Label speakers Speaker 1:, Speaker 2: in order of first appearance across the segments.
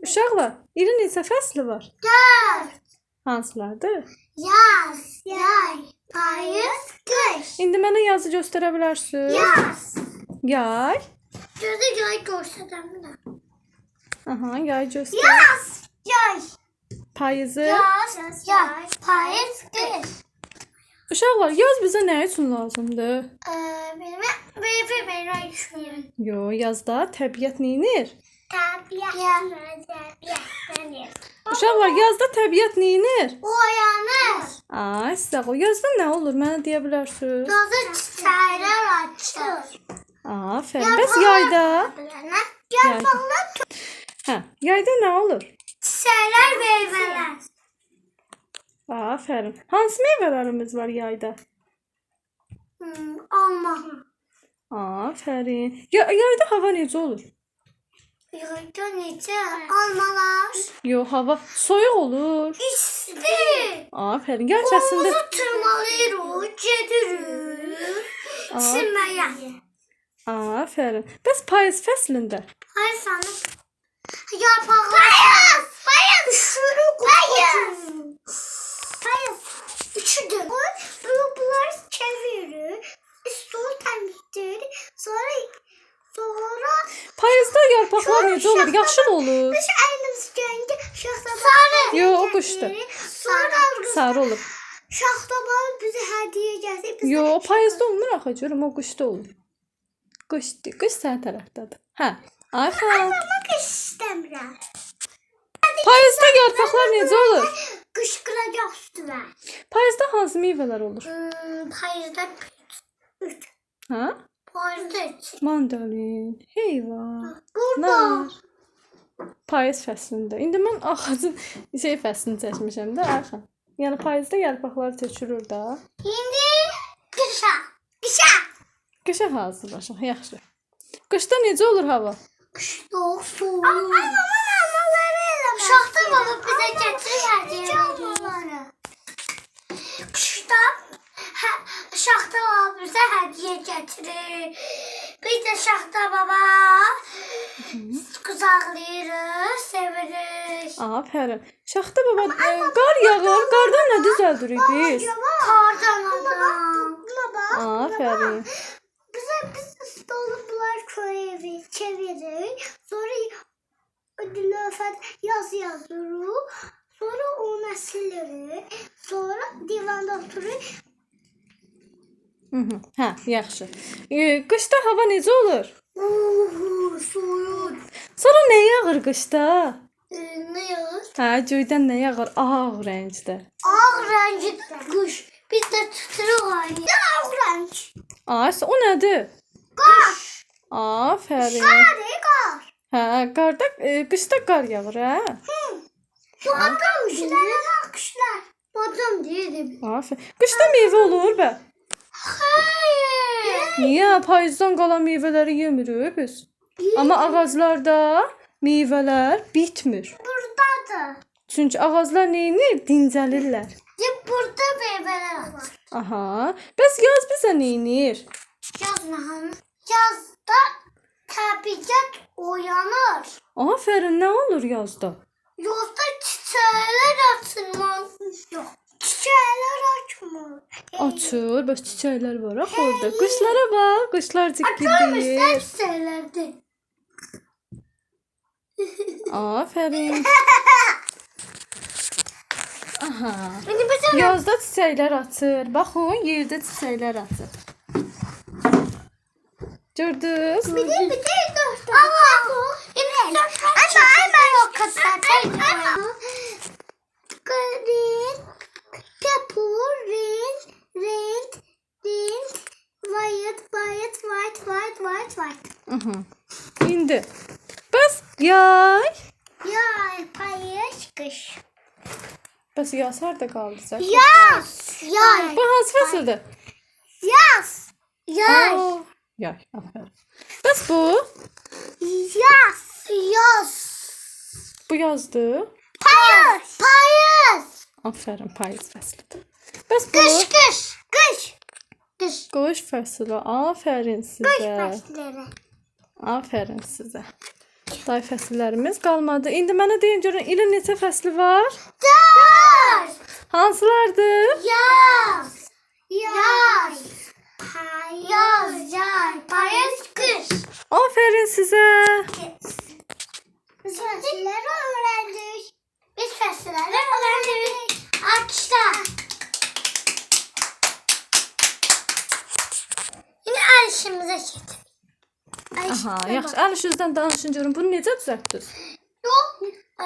Speaker 1: Uşaqlar, ilin neçə fəsli var?
Speaker 2: 4.
Speaker 1: Hansılardır?
Speaker 2: Yaz, yay, payız, qış.
Speaker 1: İndi mənə yazı göstərə bilərsiniz?
Speaker 2: Yaz.
Speaker 1: Yay.
Speaker 2: Gözü yay göstərəm.
Speaker 1: Aha, yay göstər.
Speaker 2: Yaz, yay.
Speaker 1: Payızı.
Speaker 2: Yaz, yay, payız, qış.
Speaker 1: Uşaqlar, yaz bizə nə üçün lazımdır?
Speaker 2: Benim ben düşünüyorum.
Speaker 1: Yo, yazda təbiət neyinir?
Speaker 2: Tabiat.
Speaker 1: Uşaqlar, yazda təbiət neyinir?
Speaker 2: Uyanır.
Speaker 1: Ay, sağ ol. Yazda nə olur? Mənə deyə bilərsiniz?
Speaker 2: Yazı çiçekler açır.
Speaker 1: Aferin. Bəs yayda?
Speaker 2: Yarpaqlar,
Speaker 1: Hə, yayda nə olur?
Speaker 2: çiçekler, meyveler.
Speaker 1: Aferin. Hansı meyvələrimiz var yayda?
Speaker 2: Alma.
Speaker 1: Aferin. Yayda hava necə olur?
Speaker 2: Yayda necə? Almalar.
Speaker 1: Yo, hava soyuq olur.
Speaker 2: İsti.
Speaker 1: Aferin. Gerçəsində
Speaker 2: Kolumuzu tırmalıyoruz, gedirik. Çimməyə.
Speaker 1: Aferin. Bəs payız fəslində?
Speaker 2: Hayır sana. Yarpaqlar. Payız. Payız. Üşürük. Payız. Payız. Üçüdür. Bunları çevirir. Üstünü temizleyir. Sonra
Speaker 1: Payızda yarpaqlar necə olur? Yaşıl olur.
Speaker 2: Biz elimiz gönge şaxtabağı.
Speaker 1: Yo, o qışda.
Speaker 2: Sonra
Speaker 1: Sarı olur.
Speaker 2: şaxtabağı bize hediye gətirib.
Speaker 1: Yo, payızda olmur axı, görüm o qışda olur. Qış səhər tərəfdədir. Hə. Aferin.
Speaker 2: Ama qış istəmirəm.
Speaker 1: Payızda yarpaqlar necə olur?
Speaker 2: Qışqıracaq üstüme.
Speaker 1: Payızda hansı meyvələr olur?
Speaker 2: Payızda 3.
Speaker 1: Hə?
Speaker 2: Payızda 3.
Speaker 1: Mandalin, heyvan,
Speaker 2: Burada.
Speaker 1: nar. Payız fəslində. İndi mən ağacın fəslini çəkmişəm də, Ayxan. Yəni payızda yarpaqlar tökülür da.
Speaker 2: İndi qışa. Qışa.
Speaker 1: Qışa hazırlaşaq, yaxşı. Qışda necə olur hava?
Speaker 2: Qışda soğuk. Şaxta baba bizə gətirir hədiyyə. Qışda şaxta baba bizə hədiyyə gətirir. Biz də şaxta baba qucaqlayırıq, sevirik.
Speaker 1: Aferin. Şaxta baba qar yağır. Qardan nə düzəldirik biz?
Speaker 2: Qardan adam.
Speaker 1: Aferin.
Speaker 2: Biz stolu bunlar koyuyoruz, çeviririk. Sonra Dilafət yaz yazırıq. Sonra onu silirik. Sonra divanda otururuq.
Speaker 1: Hə, yaxşı. Qışda hava necə olur?
Speaker 2: Soyuq.
Speaker 1: Sonra nə yağır qışda?
Speaker 2: Nə yağır?
Speaker 1: Hə, göydən nə yağır? Ağ rəngdə.
Speaker 2: Ağ rəngi qış. Biz də tuturuq aynı. Ağ rəng.
Speaker 1: Ay, o nədir?
Speaker 2: Qar.
Speaker 1: Aferin.
Speaker 2: Qar.
Speaker 1: Hə, qarda qışda qar yağır, hə?
Speaker 2: Badam qışlar. Badam deyirəm.
Speaker 1: Aferin. Qışda meyvə olur bə.
Speaker 2: Hayır.
Speaker 1: Niyə? Payızdan qalan meyvələri yemirik biz. Amma ağaclarda meyvələr bitmir.
Speaker 2: Buradadır.
Speaker 1: Çünki ağaclar neyinir? Dincəlirlər.
Speaker 2: Burada meyvələr var.
Speaker 1: Aha. Bəs yaz bizə neyinir?
Speaker 2: Yazda təbiət uyanır.
Speaker 1: Aferin, nə olur yazda?
Speaker 2: Yazda çiçəklər açılmaz. Yox, çiçəklər açmır.
Speaker 1: Açır, bəs çiçəklər var axı orada. Quşlara bax, quşlar
Speaker 2: Açılmışlar
Speaker 1: cikgildəyir.
Speaker 2: çiçəklərdir.
Speaker 1: Aferin. Aha.
Speaker 2: İndi bizim
Speaker 1: Yazda çiçəklər açır. Baxın, yerdə çiçəklər açır. Gördünüz?
Speaker 2: bir dört. Ama yok kızlar. Green, purple, red, white.
Speaker 1: Aha. İndi. Bəs yay.
Speaker 2: Yay, payış, qış.
Speaker 1: Bəs yaz harda qaldı sən?
Speaker 2: Yaz, yay,
Speaker 1: Bu hansı fəsildir?
Speaker 2: yaz, yay,
Speaker 1: Aa, yay. Aferin. Bəs bu?
Speaker 2: yaz.
Speaker 1: Bu yazdı.
Speaker 2: Payız.
Speaker 1: Aferin, payız fəslidir. Bəs bu?
Speaker 2: Qış.
Speaker 1: Qış fəsli. Aferin
Speaker 2: Qış
Speaker 1: sizə.
Speaker 2: fəsləri.
Speaker 1: Aferin sizə. Day fəsillərimiz qalmadı. İndi mənə deyin görün ilin neçə fəsli var?
Speaker 2: 4.
Speaker 1: Hansılardır?
Speaker 2: Yaz. Yaz. Payız, kış.
Speaker 1: Aferin sizə.
Speaker 2: Biz fəsilləri öğrendik. Biz fəsilləri öğrendik. Alkışlar. Yine el işimize getir.
Speaker 1: Aha, yaxşı. Əl işinizdən danışın görün. Bunu necə düzəltdiniz?
Speaker 2: Yok.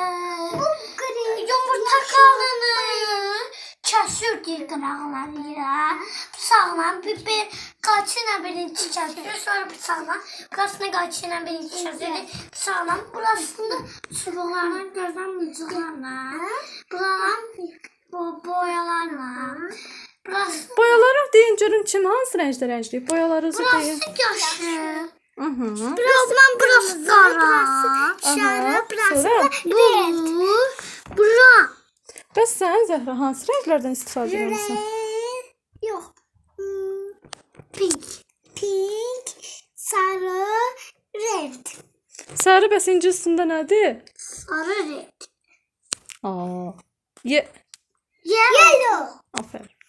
Speaker 2: Yumurta kalını kəsirdik qıraqlarıyla. Bıçaqla bir qaçıyla birinci kəsir. Sonra bıçaqla burasını qaçıyla birinci kəsirdik. Bıçaqla burasını çubuqlarla gözdən mıcıqlarla. Buradan boyalarla. Burası
Speaker 1: Boyaları deyin görün kim hansı rəngdə rəngləyib? Boyalarınızı deyin.
Speaker 2: yaşlı.
Speaker 1: Aha.
Speaker 2: Burası qara.
Speaker 1: Aha. Sonra
Speaker 2: Bura.
Speaker 1: bəs sən Zəhra hansı rənglərdən istifadə edirsən?
Speaker 2: Yox. Pink. Pink, sarı, red.
Speaker 1: Sarı bəs ingiliscəsində nədir?
Speaker 2: Sarı, red.
Speaker 1: Aa.
Speaker 2: Yellow.
Speaker 1: Aferin.